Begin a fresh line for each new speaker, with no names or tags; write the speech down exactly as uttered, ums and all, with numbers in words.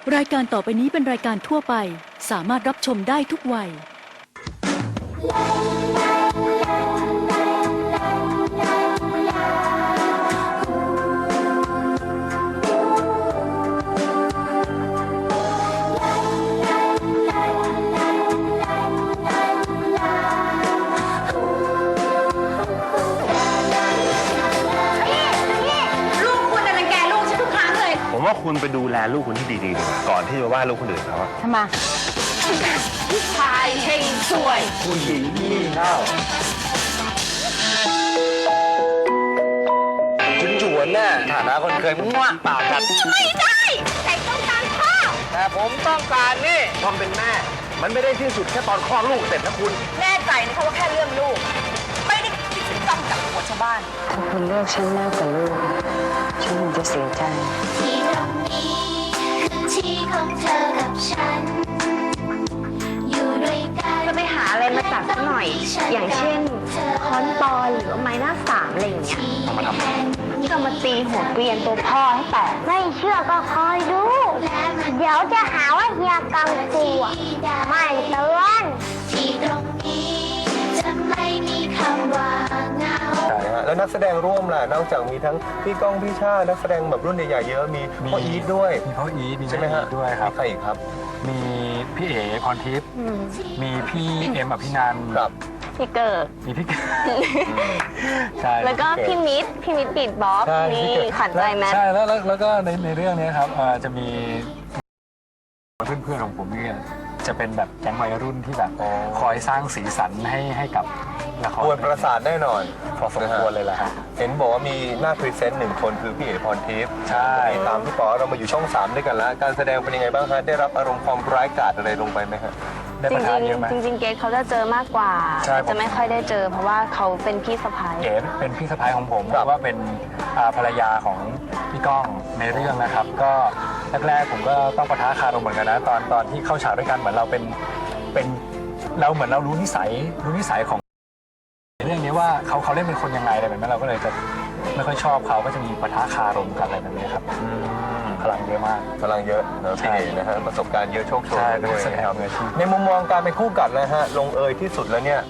รายการต่อไปนี้เป็นรายการทั่วไปสามารถรับชมได้ทุกวัย
ผมว่าคุณไปดูแลลูกคุณที่ดีๆดีกว่าก่อนที่จะว่าลูกคนอื่นเขา
ทำไมผู้ชายเฮงสวยผู้หญิงงี่เง่าจุนจวนน่ะฐานะคนเคยมั่วปากกันไม่ได้แต่ต้องการพ่อแต่ผมต้องการนี่ความเป็นแม่มันไม่ได้ที่สุดแค่ตอนคลอดลูกเสร็จนะคุณ
แน่ใจนะคะว่าแค่เรื่องลูกไม่ได้คิดถึงต้องจับหัวชาวบ้าน
ถ้าคุณเลือกฉันมากกว่าลูกฉันคงจะเสียใจ
ที่ตรงนี้คือที่ของเธอกับฉันอยู่ด้วยกัน
จะไปหาอะไรมาตัดสักหน่อยอย่างเช่นค้อนปอนหรือไม้หน้าสามอะไรอย่างเงี้ยเอามาทำก็มาตีหัวเกรียนตัวพ่อให้แตก
ไม่เชื่อก็คอยดูเดี๋ยวจะหาว่าเฮียกังกูไม่เตือน
ที่ตรงนี้จะไม่มีคำว่าเหงา
แล้วนักแสดงร่วมล่ะนอกจากมีทั้งพี่ก้องพี่ชานักแสดงแบบรุ่นใหญ่ๆเยอะมีพ่ออีทด้วย
มีพ่ออีทมี
ใช่ไหมฮะ
ด้วยครับ
มีใครอีกครับ
มีพี่เอ๋พรทิพย์มีพี่เอ็มอภินันท์
ครับ
พี่เกิด
มีพี่เกิดใช่
แล้วก็พี่มิตรพี่มิตรบีทบ็อกซ์นี่ขันใจแมท
ใช่แล้วแล้วก็ในในเรื่องนี้ครับจะมีเพื่อนๆของผมเนี่ยจะเป็นแบบแก๊งวัยรุ่นที่แบบคอยสร้างสีสันให้ให้กับละคร
กวนประสาทแน่นอน
พอสมควรเลยล่ะครับ
เห็นบอกว่ามีหน้าพรีเซนต์หนึ่งคนคือพี่เอ๋พรทิพย์
ใช่
ตามพี่ป๋อเรามาอยู่ช่องสามด้วยกันแล้วการแสดงเป็นยังไงบ้างฮะได้รับอารมณ์ความร้ายกาจอะไรลงไปไหมฮะ
ได้ประทานเยอะไหม
จริงจริงเกดเขาจะเจอมากกว่าจะไม่ค่อยได้เจอเพราะว่าเขาเป็นพี่สะพ้าย
เกดเป็นพี่สะพ้ายของผมเพราะว่าเป็นภรรยาของพี่ก้องในเรื่องนะครับก็แรกๆผมก็ต้องปะทะคารมเหมือนกันนะตอนตอนที่เข้าฉากด้วยกันเหมือนเราเป็นเป็นเราเหมือนเรารู้นิสัยรู้นิสัยของเรื่องนี้ว่าเขาเขาเล่นเป็นคนยังไงอะไรแบบนั้นเราก็เลยจะไม่ค่อยชอบเขาก็จะมีปะทะคารมกันอะไรแบบนี้ครับพลังเยอะมาก
พลังเยอะนะพี่นะฮะประสบการณ์เยอะโชคโชนด้วย
ในมุม
มองการเป็นคู่กัดนะฮะลงเอยที่สุดแล้วเนี่ย